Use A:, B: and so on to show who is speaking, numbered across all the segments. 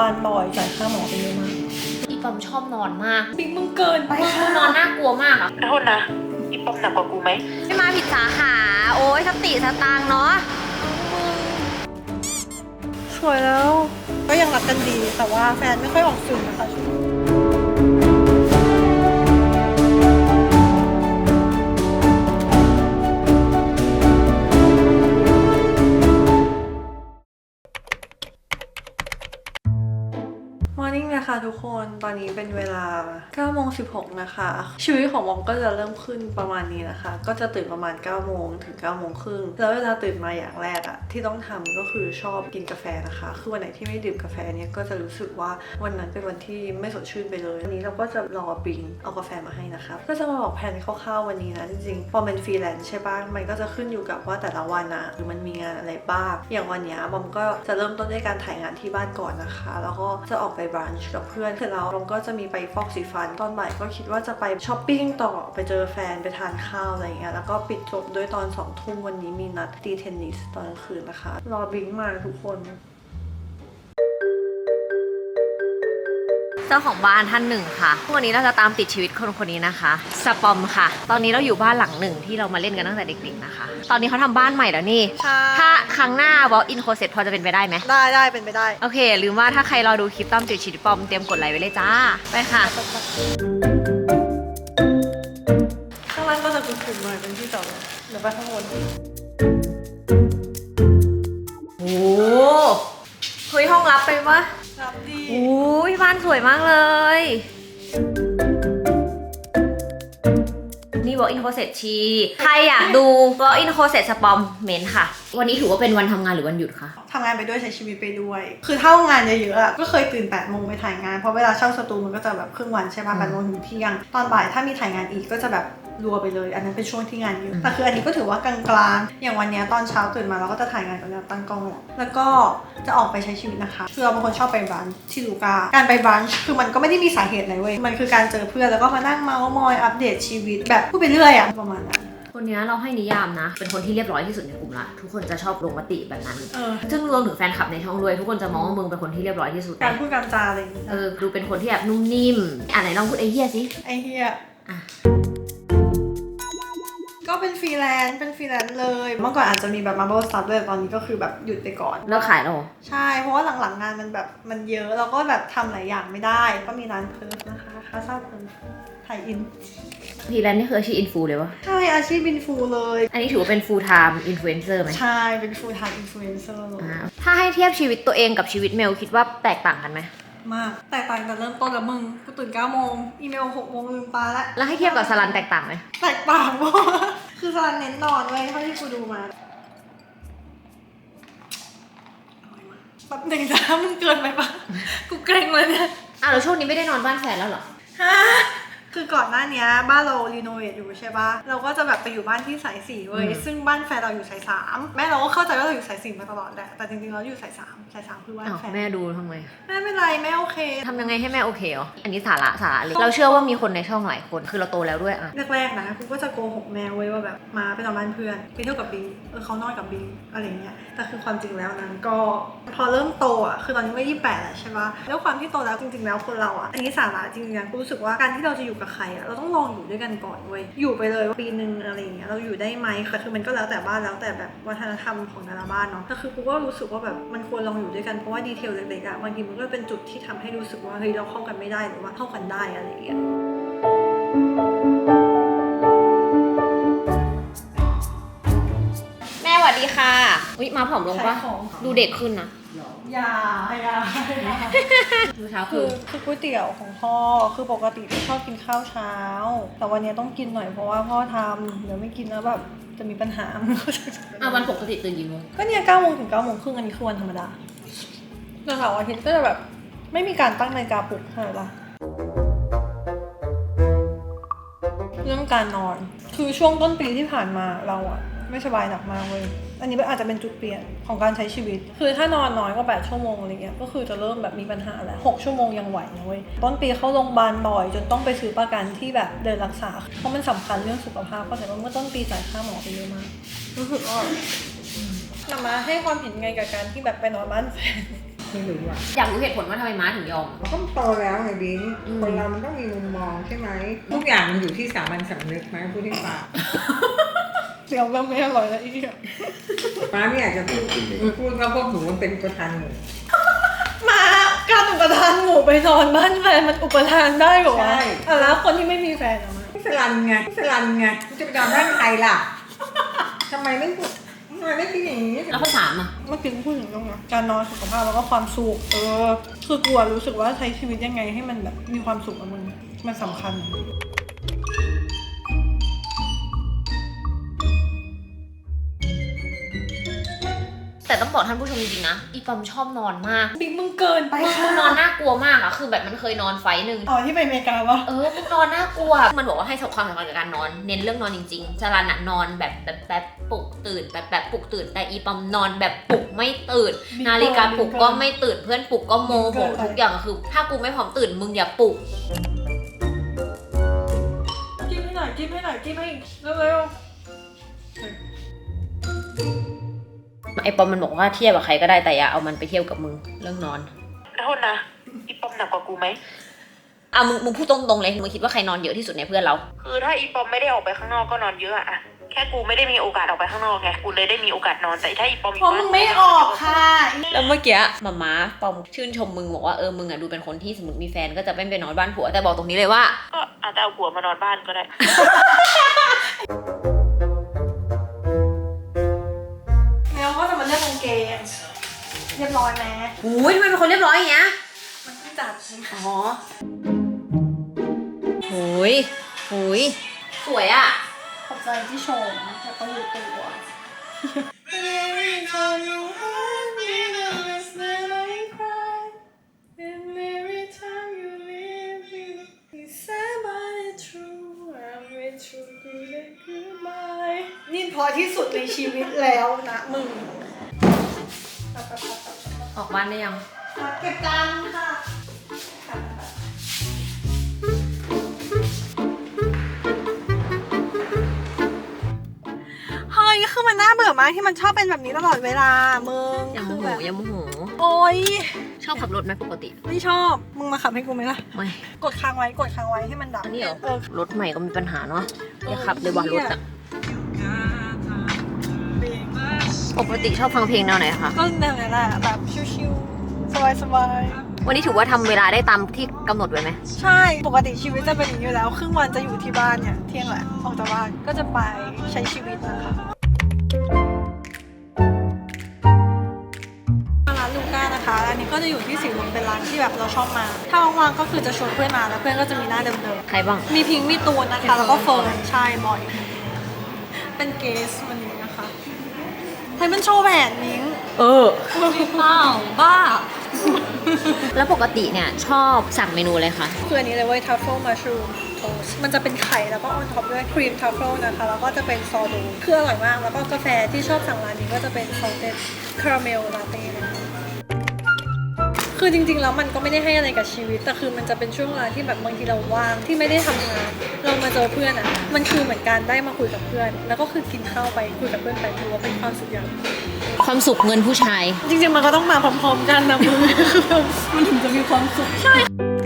A: าลบ่อยจ่ายค่าหมอไปเยอะมาก
B: อีปอมชอบนอนมาก
A: บิ๊กมึงเกินไปค่ะ
B: นอนน่ากลัวมากอ่ะ
C: โทษนะอีปอมหนักกว่ากูไหม
B: ไม่มาผิดสาขาโอ้ยสติสตางค์เนาะ
A: สวยแล้วก็ยังรักกันดีแต่ว่าแฟนไม่ค่อยออกสื่อนะคะค่ะทุกคนตอนนี้เป็นเวลา 9:16 นะคะชีวิตของวอมก็จะเริ่มขึ้นประมาณนี้นะคะก็จะตื่นประมาณ 9 โมงถึง 9 โมงครึ่งแล้วเวลาตื่นมาอย่างแรกอะที่ต้องทำก็คือชอบกินกาแฟนะคะคือวันไหนที่ไม่ดื่มกาแฟเนี่ยก็จะรู้สึกว่าวันนั้นเป็นวันที่ไม่สดชื่นไปเลยวันนี้เราก็จะรอบิงเอากาแฟมาให้นะคะก็จะมาบอกแผนคร่าวๆวันนี้นะจริงๆพอเป็นฟรีแลนซ์ใช่ปะมันก็จะขึ้นอยู่กับว่าแต่ละวันอะหรือมันมีงานอะไรบ้างอย่างวันนี้บอมก็จะเริ่มต้นด้วยการถ่ายงานที่บ้านก่อนนะคะแล้วก็จะออกไปบรันช์กับเพื่อนเสร็จแล้วเราก็จะมีไปฟอกสีฟันตอนบ่ายก็คิดว่าจะไปช้อปปิ้งต่อไปเจอแฟนไปทานข้าวอะไรอย่างเงี้ยแล้วก็ปิดจบด้วยตอน 2 ทุ่มวันนี้มีนัดตีเทนนิสตอนกลางคืนนะคะรอบิงมาทุกคน
B: เจ้าของบ้านท่านหนึ่งค่ะวันนี้เราจะตามติดชีวิตคนคนนี้นะคะสปอมค่ะตอนนี้เราอยู่บ้านหลังหนึ่งที่เรามาเล่นกันตั้งแต่เด็กๆนะคะตอนนี้เขาทำบ้านใหม่แล้วนี่ถ้าครั้งหน้า walk in closet พอจะเป็นไปได้ไหม
A: ได้เป็นไปได้
B: โอเคลืมว่าถ้าใครรอดูคลิปตามติดชีวิตปอมเตรียมกดไลค์ไว้เลยจ้าไปค่ะ
A: ข้างล่างก็จะกลุ่มๆหน่อยเป็นที่จอดรถเดี๋ยวไปข้างบน
B: โอ้เฮ้ยห้องลับไปปะ
A: รับดี
B: อุ้ยบ้านสวยมากเลยนี่ walk in closet ชีใครอยากดู walk in closet สปอมเมนค่ะวันนี้ถือว่าเป็นวันทำงานหรือวันหยุดคะ
A: ทำงานไปด้วยใช้ชีวิตไปด้วยคือเท่างานเยอะๆอะก็เคยตื่น 8 โมงไปถ่ายงานเพราะเวลาเช่าสตูมันก็จะแบบครึ่งวันใช่ป่ะ8 โมงถึงเที่ยงตอนบ่ายถ้ามีถ่ายงานอีกก็จะแบบรัวไปเลยอันนั้นเป็นช่วงที่งานเยอะแต่คืออันนี้ก็ถือว่ากลางๆอย่างวันนี้ตอนเช้าตื่นมาเราก็จะถ่ายงานกับตั้งกล้องแล้วก็จะออกไปใช้ชีวิตนะคะคือเราเป็นคนชอบไปบรันช์ที่ลูก้าการไปบรันช์คือมันก็ไม่ได้มีสาเหตุอะไรเว้ยมันคือการเจอเพื่อนแล้วก็มานั่งเมาท์มอยอัปเดตชีวิตแบบพูดไปเรื่อยอะประมาณนั้น
B: คนนี้เราให้นิยามนะเป็นคนที่เรียบร้อยที่สุดในกลุ่มละทุกคนจะชอบลงมติแบบนั้น ซึ่งรวมถึงแฟนคลับในช่องด้วยทุกคนจะมองว่ามึงเป็นคนที่เรียบร้อยที่สุด
A: การพูดการจาอะไรอย่างเงี้ย
B: ดูเป็นคนที่แบบนุ่มนิ่มไหนลองพูดไอ้เหี้ยสิ
A: ไอ้เหี้ยก็เป็นฟรีแลนซ์เลยเมื่อก่อนอาจจะมีแบบ Marble Stuff เลยตอนนี้ก็คือแบบหยุดไปก่อน
B: เลิกขายแล้ว
A: ใช่เพราะว่าหลังๆงานมันแบบมันเยอะเราก็แบบทำหลายอย่างไม่ได้ก็มีร้านเพิร์ฟนะคะคาซาเพิร์ฟถ่ายอิน
B: ฟรีแลนซ์นี่คืออาชีพอินฟูเลยวะ
A: ใช่อาชีพอินฟูเลย
B: อันนี้ถือว่าเป็น full time influencer ไหม
A: ใช่เป็น full time influencer เลย
B: ถ้าให้เทียบชีวิตตัวเองกับชีวิตเมลคิดว่าแตกต่างกันไหม
A: มากแตกต่างกันเริ่มต้นแล้วมึงกูตื่น 9 โมงอีเมล 6 โมงลืมตา
B: แล้วให้เทียบกับสลันแตกต่างไหม
A: แตกต่างมากคือสลันเน้นนอนเลยเท่าที่กูดูมาแบบหนึ่งจ้ามึงเกินไปปะกูเกรงเลยเนี่ย
B: แล้วช่วงนี้ไม่ได้นอนบ้านแฟนแล้วเหรอ
A: ฮะคือก่อนหน้านี้บ้านเรารีโนเวทอยู่ใช่ปะเราก็จะแบบไปอยู่บ้านที่สาย4เว้ยซึ่งบ้านแฟนเราอยู่สาย3แม่เราก็เข้าใจว่าเราอยู่สาย4มาตลอดแหละแต่จริงๆเราอยู่สาย3คือบ้านแฟน
B: แม่ดูทำไม
A: แม่ไม่ไรแม่โอเค
B: ทำยังไงให้แม่โอเคอ๋ออันนี้สาระเลยเราเชื่อว่ามีคนในช่องหลายคนคือเราโตแล้วด้วย
A: แรกๆนะกูก็จะโกหกแม่เว้ยว่าแบบมาไปนอนบ้านเพื่อนไปเที่ยวกับบิงเขานอนกับบิงอะไรเงี้ยแต่คือความจริงแล้วนั้นก็พอเริ่มโตคือตอนนี้ก็28แล้วใช่ปะแล้วความที่โตแล้วจริงๆแล้วคนเราอันนี้สาระจริงๆกูรู้สึกว่าการที่เราจะอยู่กับใครเราต้องลองอยู่ด้วยกันก่อนเว้ยอยู่ไปเลยปีนึงอะไรอย่างเงี้ยเราอยู่ได้ไหมคือมันก็แล้วแต่บ้านแล้วแต่แบบวัฒนธรรมของแต่ละบ้านเนาะแต่คือกูก็รู้สึกว่าแบบมันควรลองอยู่ด้วยกันเพราะว่าดีเทลเล็กๆบางทีมันก็เป็นจุดที่ทำให้รู้สึกว่าเฮ้ยเราเข้ากันไม่ได้หรือว่าเข้ากันได้อะไรอย่างเงี้ย
B: แม่สวัสดีค่ะมาผอมลงปะดูเด็กขึ้นนะ
A: อย่า
B: ดูเช้า
A: คือก๋วยเตี๋ยวของพ่อคือปกติที่ชอบกินข้าวเช้าแต่วันนี้ต้องกินหน่อยเพราะว่าพ่อทำเดี๋ยวไม่กินแล้วแบบจะมีปัญหา
B: วันปกติตื่นกี่โมง
A: ก็เนี่ย9 โมงถึง 9 โมงครึ่งอันนี้คือวันธรรมดาแต่เสาร์อาทิตย์ก็จะแบบไม่มีการตั้งนาฬิกาปลุกใช่ปะเรื่องการนอนคือช่วงต้นปีที่ผ่านมาเราไม่สบายหนักมากเลยอันนี้อาจจะเป็นจุดเปลี่ยนของการใช้ชีวิตคือถ้านอนน้อยกว่า8 ชั่วโมงอะไรเงี้ยก็คือจะเริ่มแบบมีปัญหาแล้ว6 ชั่วโมงยังไหวนะเว้ยต้นปีเข้าโรงพยาบาลบ่อยจนต้องไปซื้อประกันที่แบบเดินรักษาเพราะมันสำคัญเรื่องสุขภาพเพราะฉะนั้นเมื่อต้นปีจ่ายค่าหมอไปเยอะมากรู้สึกว่ามาให้ความเห็นไงกับการที่แบบไปนอนบ้านแฟน
D: ไม่รู้อ่ะ
B: อยากรู้เหตุผลว่าทำไมม้าถึงยอม
D: เขาก็โตแล้วไงบิงคนเรามันต้องมีมุมมองใช่ไหมทุกอย่างมันอยู่ที่สามัญสำนึกไหมพูดให้ฟัง
A: เดี๋ยวเราไม่อร่อยแล้วอีก
D: ม้าไม่อยากจะพูดว่าพวกหนูมันเป็นประธานหมู่
A: มาการอุปทานหมู่ไปนอนบ้านแฟนมันอุปทานได้บอกว่าแล้วคนที่ไม่มีแฟนอะมา
D: สลันไงจะไปนอนบ้านใครล่ะทำไมไม่พูดอย่างนี้
B: แล้วข้อ 3อ่ะ
A: เมื่อกี้พูดถึงตรงนั้นการนอนสุขภาพแล้วก็ความสุขคือกลัวรู้สึกว่าใช้ชีวิตยังไงให้มันแบบมีความสุขกับมันสำคัญ
B: แต่ต้องบอกท่านผู้ชมจริงๆนะอีปอมชอบนอนมาก
A: บิ๊กมึงเกินไป
B: มึงนอนน่ากลัวมากอะคือแบบมันเคยนอนไฟท์หนึ่ง
A: อ๋อที่ไปอเมริกาวะ
B: มึงนอนน่ากลัวมันบอกว่าให้ความสำคัญกับการนอนเน้นเรื่องนอนจริงๆจรันอะนอนแบบปลุกตื่นแบบปลุกตื่นแต่อีปอมนอนแบบปลุกไม่ตื่นนาฬิกาปลุกก็ไม่ตื่นเพื่อนปลุกก็โมโหทุกอย่างคือถ้ากูไม่พร้อมตื่นมึงอย่าปลุก
A: กินให้หน่อยกินให้เร็ว
B: ไอปอมมันบอกว่าเทียบกับใครก็ได้แต่อย่าเอามันไปเทียบกับมึงเรื่องนอน
C: โทษนะอีปอมหนักกว่ากูไหม
B: มึงพูดตรงๆเลยมึงคิดว่าใครนอนเยอะที่สุดในเพื่อนเรา
C: คือถ้าอีปอมไม่ได้ออกไปข้างนอกก็นอนเยอะอะแค่กูไม่ได้มีโอกาสออกไปข้างนอกไงกูเลยได้มีโอกาสนอนแต่ถ้าอีปอมอยู่
A: เพราะมึงไม่ออกค่ะ
B: แล้วเมื่อกี้มาปอมชื่นชมมึงบอกว่ามึงอะดูเป็นคนที่สมมติมีแฟนก็จะไม่ไปนอนบ้านผัวแต่บอกตรงนี้เลยว่า
C: ก็อาจจะเอาผัวมานอนบ้านก็ได้
A: แล้วก็จะมาเลือกกางเกงเรียบร้อยไหม
B: อุ้ยทำไมเป็นคนเรียบร้อยอย่างเงี้ย
A: มันเพิ่งจัด
B: อ๋อโหยสวยอะ
A: ขอบใจที่ชมแล้วก็รู้ตัว นี่พอที่สุดในชีวิตแล้วนะมึง
B: ออกบ้านได้ยัง
A: เก็บจานค่ะ เฮ้ยคือมันน่าเบื่อมากที่มันชอบเป็นแบบนี้ตลอดเวลามึง
B: ยังโม
A: คือ
B: โห
A: แบบ
B: ยังโมโห
A: โอ๊ย
B: ชอบขับรถไหมปกติ
A: ไม่ชอบ มึงมาขับให้กูไหมล่ะ
B: ไม่
A: กดค้างไว้ให้มันดับ
B: อันนี้เหรอ
A: เออ
B: รถใหม่ก็มีปัญหาเนาะอย่าขับเลยว่ารถอะปกติชอบฟังเพลงแนวไหนคะ
A: ก็แนวนั้นแหละแบบชิวๆสบาย
B: วันนี้ถือว่าทำเวลาได้ตามที่กำหนดไว้ไหม
A: ๆใช่ ปกติชีวิตจะเป็นอย่างนี้อยู่แล้ว ครึ่งวันจะอยู่ที่บ้านเนี่ย เที่ยงแหละ ออกจากบ้านก็จะไปใช้ชีวิตนะคะร้านลูก้านะคะ อันนี้ก็จะอยู่ที่สีลมเป็นร้านที่แบบเราชอบมา ถ้าว่างๆก็คือจะชวนเพื่อนมาแล้วเพื่อนก็จะมีหน้าเดิม
B: ใครบ้าง
A: ๆ มีพิงค์มีตูนนะคะ แล้วก็เฟิร์นใช่บ่อย เป็นเกสวันนี้นะคะให้มันโชว์แหวนนิ้ง บ้า
B: แล้วปกติเนี่ยชอบสั่งเมนูอะไรคะ
A: คืออันนี้เลยเว้ยทัฟเฟิลมัชรูมโทสมันจะเป็นไข่แล้วก็ออนท็อปด้วยครีมทัฟเฟิลนะคะ แล้วก็จะเป็นซอโดคืออร่อยมาก แล้วก็กาแฟที่ชอบสั่งร้านนี้ก็จะเป็นซอลเต็ดคาราเมลลาเต้นะคะคือจริงๆแล้วมันก็ไม่ได้ให้อะไรกับชีวิต แต่คือมันจะเป็นช่วงเวลาที่แบบบางทีเราว่างที่ไม่ได้ทำงาน เรามาเจอเพื่อนอ่ะ มันคือเหมือนการได้มาคุยกับเพื่อน แล้วก็คือกินข้าวไปคุยกับเพื่อนไปถือว่าเป็นความสุขอย่าง
B: ความสุขเงินผู้ชาย
A: จริงๆมันก็ต้องมาพร้อมๆกันนะมึง มันถึงจะมีความสุขใช่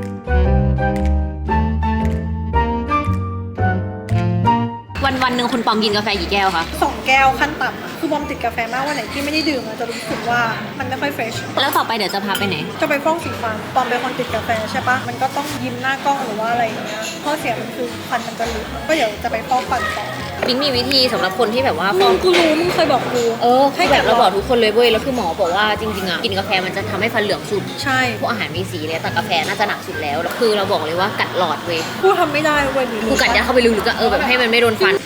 B: วันหนึ่งคุณปอมกินกาแฟกี่แก้วคะ
A: 2 แก้วขั้นต่ำอะคือบอมติดกาแฟมากวันไหนที่ไม่ได้ดื่มอะจะรู้สึกว่ามันไม่ค่อยเฟรช
B: แล้วต่อไปเดี๋ยวจะพาไปไหน
A: จะไปฟ้องสีฟันบอมเป็นคนติดกาแฟใช่ปะมันก็ต้องยิ้มหน้ากล้องหรือว่าอะไรอย่างเงี้ยข้อเสียมันคือฟันมันจะหลุดก็เดี๋ยวจะไปฟ้องฟันต่อ
B: บิงมีวิธีสำหรับคนที่แบบว่า
A: มึงกูรู้มึงเคยบอกกู
B: ให้แบบเราบอกทุกคนเลยเว้ยแล้วคือหมอบอกว่าจริงๆอ่ะกินกาแฟมันจะทำให้ฟันเหลืองสุด
A: ใช่
B: พวกอาหารมีสีเลยแต่กาแฟน่าจะหนักสุดแล้วคือเราบอกเลยว่ากัดหลอดเว้ย
A: กูทำไม่ได้เว้ย
B: กูกัดยัดเข้าไปลึกๆก็แบบให้มันไม่โดนฟัน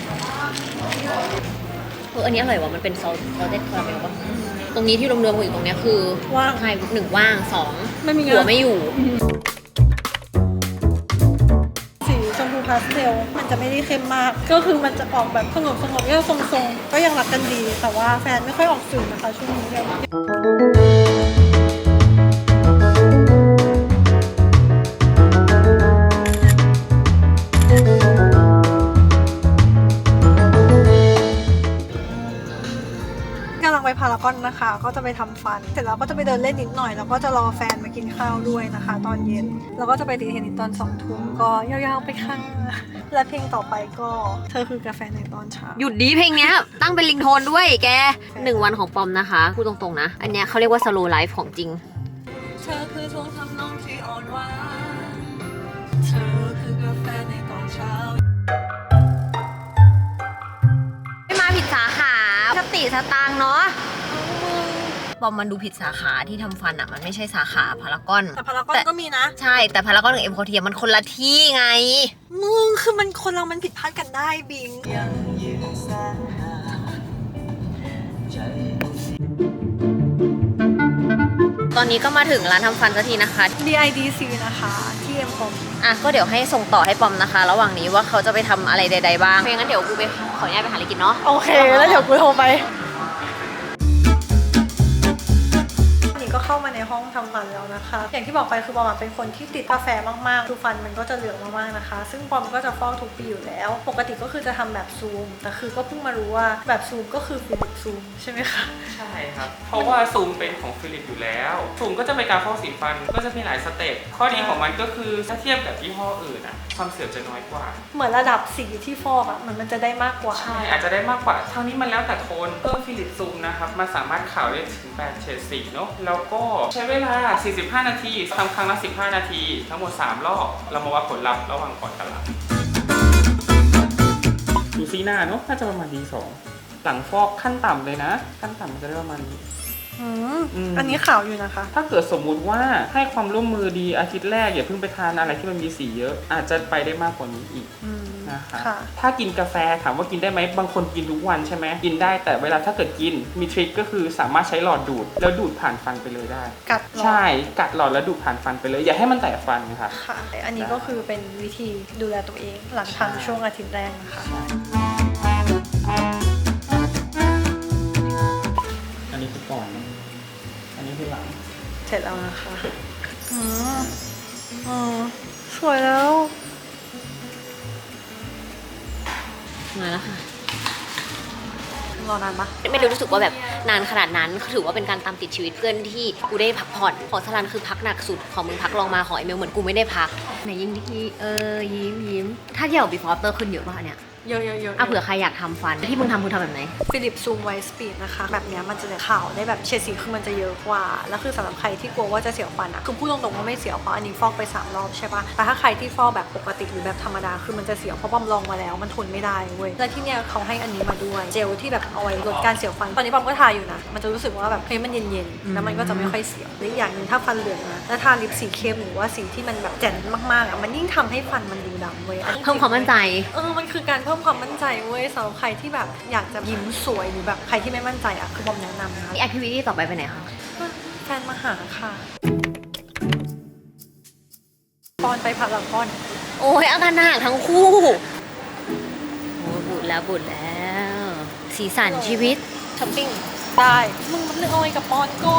B: อันนี้อร่อยว่ะมันเป็นซอสเต็ดคาราเมลป่ะตรงนี้ที่รวมๆกันอยู่ตรงเนี้ยคือ
A: ว่าง
B: ใช่1ว่าง2
A: ไม่มี
B: หั
A: งา
B: วน ไม่อยู่
A: สีชมพูพาสเทลมันจะไม่ได้เข้มมาก ก็คือมันจะออกแบบสงบก็ทรงๆก็ยังรักกันดี แต่ว่าแฟนไม่ค่อยออกสื่อนะคะช่วงนี้เนี่ยไปพารากอนนะคะ ก็จะไปทำฟัน เสร็จแล้วก็จะไปเดินเล่นนิดหน่อย แล้วก็จะรอแฟนมากินข้าวด้วยนะคะ ตอนเย็น แล้วก็จะไปตีเทนนิสตอน2 ทุ่มก็ยาวๆไปค่ะและเพลงต่อไปก็เธอคือกาแฟในตอนเช้า
B: หยุดดีเพลงเนี้ย ตั้งเป็นริงโทนด้วยแก 1 วันของปอมนะคะพูดตรงๆนะ อันเนี้ยเขาเรียกว่า slow life ของจริง
A: เธอคือช่วงทำนองที่อ่อนหวานเธอคือกาแฟในตอนเช้า
B: ไม่มาผิดสาขาสติสตางค์เนาะปอมมันดูผิดสาขาที่ทำฟันอ่ะมันไม่ใช่สาขาพารากอน
A: แต่พารากอนก็มีนะ
B: ใช่แต่พารากอนกับเอ็มโคเทียมันคนละที่ไง
A: มึงคือมันคนเรามันผิดพลาดกันได้บิง
B: ตอนนี้ก็มาถึงร้านทำฟันสักทีนะคะ
A: BIDC นะคะที่เอ็มคอม
B: อ่ะก็เดี๋ยวให้ส่งต่อให้ปอมนะคะ ระหว่างนี้ว่าเขาจะไปทำอะไรใดๆบ้างเพราะงั้นเดี๋ยวกูไปขออนุญาตไปหาอะไรกินเนาะ
A: โอเค แล้วเดี๋ยวกูโทรไปนี่ก็เข้ามาในห้องทำฟันแล้วนะคะ อย่างที่บอกไปคือปอมเป็นคนที่ติดกาแฟมากๆคือฟันมันก็จะเหลืองมากๆนะคะ ซึ่งปอมก็จะฟอกทุกปีอยู่แล้ว ปกติก็คือจะทำแบบซูม แต่คือก็เพิ่งมารู้ว่าแบบซูมก็คือฟิลิปซูมใช่ไหมคะ
E: ใช่ครับ เพราะว่าซูมเป็นของฟิลิปอยู่แล้ว ซูมก็จะเป็นการฟอกสีฟัน ก็จะมีหลายสเต็ป ข้อดีของมันก็คือถ้าเทียบกับยี่ห้ออื่นอะความเสื่อมจะน้อยกว่า
A: เหมือนระดับสีที่ฟอกอะมันจะได้มากกว่า
E: ใช่ อาจจะได้มากกว่า เท่านี้มันแล้วแต่คนเพิ่มฟิลิปซูมนะครับ มันสามารถขาวได้ถึง8เฉดสีเนาะ แล้วก็ใช้เวลา 45 นาทีทำครั้งละ 15 นาที ทั้งหมด 3 รอบ เรามาวัดผลลัพธ์ระหว่างก่อนกับหลัง ดูซีหน้าเนาะ น่าจะประมาณ D2 หลังฟอกขั้นต่ำเลยนะ ขั้นต่ำมันจะได้ประมาณนี้
A: อันนี้ขาวอยู่นะคะ
E: ถ้าเกิดสมมุติว่าให้ความร่วมมือดีอาทิตย์แรกอย่าเพิ่งไปทานอะไรที่มันมีสีเยอะ อาจจะไปได้มากกว่านี้อีกนะคะ
A: ค่ะ
E: ถ้ากินกาแฟถามว่ากินได้ไหมบางคนกินทุกวันใช่ไหมกินได้แต่เวลาถ้าเกิดกินมีทริคก็คือสามารถใช้หลอดดูดแล้วดูดผ่านฟันไปเลยได้
A: กัดหลอด
E: ใช่กัดหลอดแล้วดูดผ่านฟันไปเลยอย่าให้มันแตกฟันนะคะ
A: ค่ะ อันนี้ก็คือเป็นวิธีดูแลตัวเองหลังทำช่วงอาทิตย์แรกนะคะ
E: อันนี้คือก่อนอันนี้คือหลัง
A: เสร็จแล้วนะคะสวยแล้ว
B: มาแล้วค่ะ
A: รอนานปะ
B: ไม่ได้รู้สึกว่าแบบนานขนาดนั้นถือว่าเป็นการตามติดชีวิตเพื่อนที่กูได้พักผ่อนของสลันคือพักหนักสุดของมึงพักลองมาของไอเมลเหมือนกูไม่ได้พักไหนยิ้มที่ยิ้มถ้าเที่ยว before after ขึ้นเยอะป่ะเนี่ย
A: เยอะๆ
B: อ่ะเผื่อใครอยากทำฟันที่มึงทำคือทำแบบไหน
A: ฟิลิปซูมไวสปีดนะคะ แบบเนี้ยมันจะขาวได้แบบเฉดสีคือมันจะเยอะกว่า แล้วคือสำหรับใครที่กลัวว่าจะเสียวฟันอะคือพูดตรงๆว่าไม่เสียวเพราะอันนี้ฟอกไป3 รอบใช่ปะแต่ถ้าใครที่ฟอกแบบปกติหรือแบบธรรมดาคือมันจะเสียวเพราะปอมลองมาแล้วมันทนไม่ได้เว้ยและที่เนี้ยเขาให้อันนี้มาด้วยเจลที่แบบเอาไว้ลดการเสียวฟันตอนนี้ปอมก็ทาอยู่นะมันจะรู้สึกว่าแบบเฮ้ยมันเย็นๆแล้วมันก็จะไม่ค่อยเสียวและอีกอย่างหนึ่งถ้าฟันเหลืองนะแล้วทาลิปสีเข้มหรือว่าสีที่มันแบบแจ่มมากๆอะมันยิ่งทำให้ฟันมันดูดำเว้ยอันนี้
B: เพิ่มความมั่นใจ
A: มันคือการเพิ่มความมั่นใจเว้ยสำหรับใครที่แบบอยากจะยิ้มสวยหรือแบบใครที่ไม่มั่นใจอ่ะคือบอมแนะนำนะ
B: แอคทิวิตี้ต่อไปไปไหนคะ
A: แฟนมาหาค่ะปอนไปพารากอน
B: โอ้ยอาการหนักทั้งคู่โอ้ยบุญแล้ว สีสันชีวิต
A: ช้อปปิ้งได้มึงมันเรื่องเอาไว้กับปอนก่อน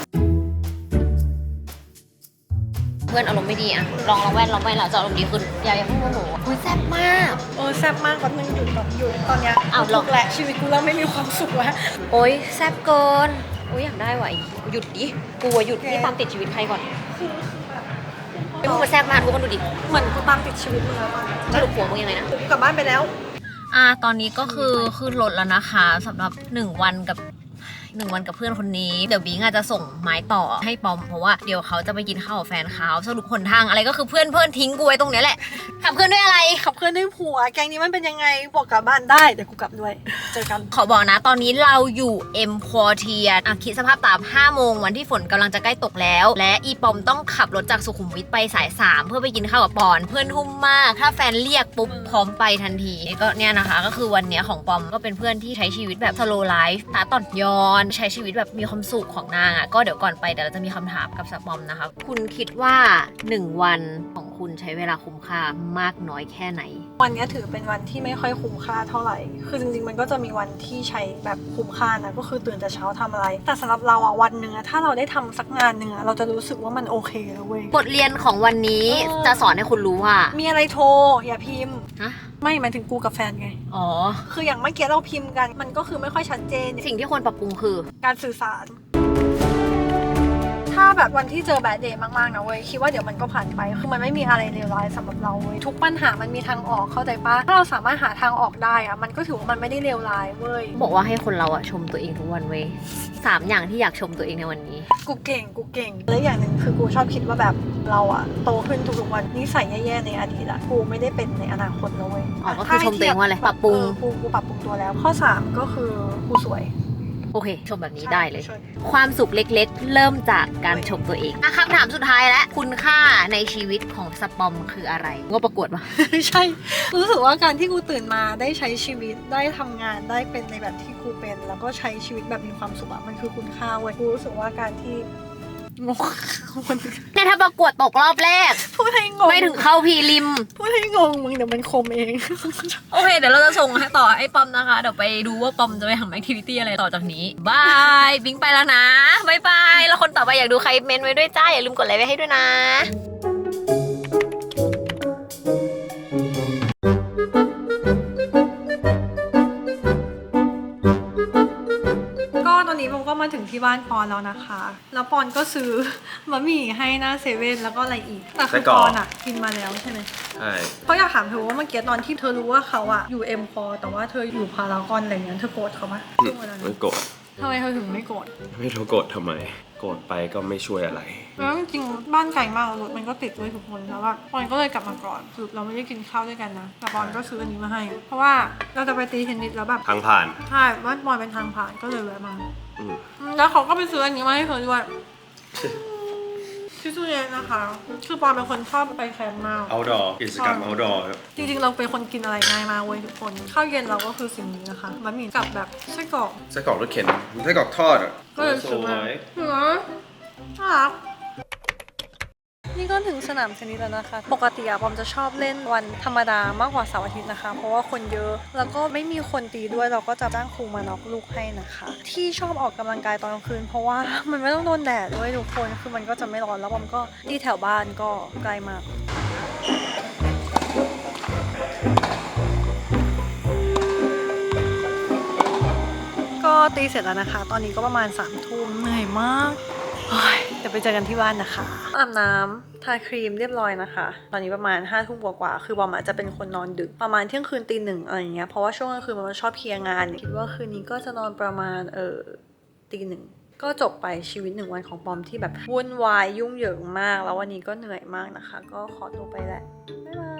B: เพื่อนอารมณ์ไม่ดีอะลองแว่นแล้วจะอารมณ์ดีขึ้นอย่าเพิ่งโมโหอุ้ยแซ่บมาก
A: แซ่บมากกว่านึงหยุดตอนเนี้ย
B: อ้าว
A: ทุกข์แหละชีวิตกูเริ่มไม่มีความสุขแล้ว
B: โอ้ยแซ่บเกินโอ้ยอยากได้ว่ะหยุดดิกูอะหยุดนี่ตามติดชีวิตใครก่อนไม่พูดมาแซ่บมากทุกคนดูดิ
A: เหมือนกูตามติดชีวิตมึงแล้วตอนนี้
B: สรุปผัวมึงยังไงนะ
A: กูกลับบ้านไปแล้ว
B: ตอนนี้ก็คือขึ้นรถแล้วนะคะสำหรับ1 วันกับเพื่อนคนนี้เดี๋ยวบิงอาจจะส่งไม้ต่อให้ปอมเพราะว่าเดี๋ยวเขาจะไปกินข้าวกับแฟนเขาสรุปหนทางอะไรก็คือเพื่อนทิ้งกูไว้ตรงเนี้ยแหละขับเพื่อนด้วยอะไร
A: ขับเพื่อนด้วยผัวแกงนี้มันเป็นยังไงบอกกลับบ้านได้เดี๋ยวกูกลับด้วยเจอกัน
B: ขอบอกนะตอนนี้เราอยู่เอ็มควอเทียคิดสภาพตาม5 โมงวันที่ฝนกำลังจะใกล้ตกแล้ว และอีปอมต้องขับรถจากสุขุมวิทไปสาย 3 เพื่อไปกินข้าวกับปอนเพื่อนทุ่มมากถ้าแฟนเรียกปุ๊บพร้อมไปทันทีก็เนี่ยนะคะก็คือวันเนี้ยของปอมก็เป็นเพื่อนที่ใช้ชีวิตแบบ slow life ตาต่อนย้อนใช้ชีวิตแบบมีความสุขของนางอ่ะก็เดี๋ยวก่อนไปเดี๋ยวเราจะมีคำถามกับสปอมนะคะคุณคิดว่า1 วันของคุณใช้เวลาคุ้มค่ามากน้อยแค่ไหน
A: วันนี้ถือเป็นวันที่ไม่ค่อยคุ้มค่าเท่าไหร่ คือจริงๆ มันก็จะมีวันที่ใช้แบบคุ้มค่านะ ก็คือตื่นแต่เช้าทำอะไร แต่สำหรับเราอะวันหนึ่งอะถ้าเราได้ทำสักงานหนึ่งอะเราจะรู้สึกว่ามันโอเคแล้วเว้ย
B: บทเรียนของวันนี้จะสอนให้คุณรู้ว่า
A: มีอะไรโทร อย่าพิมพ์
B: ฮะ
A: ไม่หมายถึงกูกับแฟนไง
B: อ๋อ
A: คืออย่างเมื่อกี้เราพิมพ์กันมันก็คือไม่ค่อยชัดเจน
B: สิ่งที่ควรปรับปรุงคือ
A: การสื่อสาร ถ้าแบบวันที่เจอแบดเดย์มากๆนะเว้ยคิดว่าเดี๋ยวมันก็ผ่านไปคือมันไม่มีอะไรเลวร้ายสำหรับเราเว้ยทุกปัญหามันมีทางออกเข้าใจปะถ้าเราสามารถหาทางออกได้อะมันก็ถือว่ามันไม่ได้เลวร้ายเว้ย
B: บอกว่าให้คนเราอะชมตัวเองทุกวันเว้ย3 อย่างที่อยากชมตัวเองในวันนี้
A: กูเก่งและอย่างหนึ่งคือกูชอบคิดว่าแบบเราอะโตขึ้นทุกๆวันนิสัยแย่ๆในอดีตอะกูไม่ได้เป็นในอนาคตแล้วเว้ย
B: อ๋อก็คือชมตัวเองว่าอะไรปรับปรุง
A: กูปรับปรุงตัวแล้วข้อ3ก็คือกูสวย
B: โอเค ชมแบบนี้ได้เลย
A: ใช่
B: ความสุขเล็กๆ เริ่มจากการชมตัวเองคำถามสุดท้ายแล้วคุณค่าในชีวิตของสปอมคืออะไรงบประกวดปะ
A: ใช่รู้สึกว่าการที่กูตื่นมาได้ใช้ชีวิตได้ทำงานได้เป็นในแบบที่กูเป็นแล้วก็ใช้ชีวิตแบบมีความสุขอะมันคือคุณค่าเว้ยกูรู้สึกว่าการที่งงมัน
B: เนี่ยถ้าประกวดตกรอบแรก
A: พูดให้งง
B: ไม่ถึงเข้าพรีลิม
A: พูดให้งงมึงเดี๋ยวมันคมเอง
B: โอเค เดี๋ยวเราจะส่งให้ต่อไอ้ปอมนะคะ เดี๋ยวไปดูว่าปอมจะไปทำแอคทิวิตี้อะไรต่อจากนี้บายบิงไปแล้วนะบายบายแล้วคนต่อไปอยากดูใครเมนไว้ด้วยจ้าอย่าลืมกดไลค์ไว้ให้ด้วยนะ
A: ก็ตอนนี้ผมก็มาถึงที่บ้านปอนแล้วนะคะ แล้วปอนก็ซื้อบะหมี่ให้หน้าเซเว่นแล้วก็อะไรอีก แต่คือปอนอะกินมาแล้วใช่ไหม
F: ใช่
A: เขาอยากถามเธอว่าเมื่อกี้ตอนที่เธอรู้ว่าเขาอะอยู่เอ็มพอแต่ว่าเธออยู่พารากอนอะไรเงี้ยเธอโกรธเขาไหมช่วงเวลานั้
F: ไม่
A: น
F: โกรธ
A: ทำไมเธอถึงไม่โกรธ
F: ไม่รู้โกรธทำไม โกรธไปก็ไม่ช่วยอะไร
A: แล้วจริงๆบ้านไกลมากรถมันก็ติดด้วยทุกคนแล้วว่าปอนก็เลยกลับมาก่อนคือเราไม่ได้กินข้าวด้วยกันนะแต่ปอนก็ซื้ออันนี้มาให้ เพราะว่าเราจะไปตีเทนนิสแล้วแบบ
F: ทางผ่าน
A: ใช่บ้านปอนเป็นทางผ่านก็เลยแวะมา
F: อืม
A: แล้วเขาก็ไปซื้ออันนี้มาให้เธอด้วยที่ตู้เย็นนะคะคือปอนเป็นคนชอบไปแคมป์มาก
F: outdoor กิจกรรม outdoor ครับ
A: จริงๆเราเป็นคนกินอะไรง่ายมากเว้ยทุกคนข้าวเย็นเราก็คือสิ่งนี้นะคะบะหมี่กับแบบไส้กรอก
F: ไส้กรอกรถเข็นไส้กรอกทอดอ่ะ
A: ก็เลยซื้อมา
F: สวย
A: เหรอน่ารักนี่ก็ถึงสนามเทนนิสแล้วนะคะ ปกติอะปอมจะชอบเล่นวันธรรมดามากกว่าเสาร์อาทิตย์นะคะ เพราะว่าคนเยอะ แล้วก็ไม่มีคนตีด้วย เราก็จะจ้างครูมาน็อกลูกให้นะคะ ที่ชอบออกกำลังกายตอนกลางคืน เพราะว่ามันไม่ต้องโดนแดดด้วยทุกคน คือมันก็จะไม่ร้อน แล้วปอมก็ที่แถวบ้านก็ใกล้มาก ก็ตีเสร็จแล้วนะคะ ตอนนี้ก็ประมาณ3 ทุ่มเหนื่อยมากเดี๋ยวไปเจอกันที่บ้านนะคะอาบน้ำทาครีมเรียบร้อยนะคะ ตอนนี้ประมาณ5 ทุ่มกว่าๆคือบอมอาจจะเป็นคนนอนดึกประมาณเที่ยงคืนตี 1อะไรอย่างเงี้ยเพราะว่าช่วงกลางคืนมันชอบเคลียร์งานคิดว่าคืนนี้ก็จะนอนประมาณตี 1ก็จบไปชีวิต1 วันของปอมที่แบบวุ่นวายยุ่งเหยิงมากแล้ววันนี้ก็เหนื่อยมากนะคะ ก็ขอตัวไปแหละบ๊ายบาย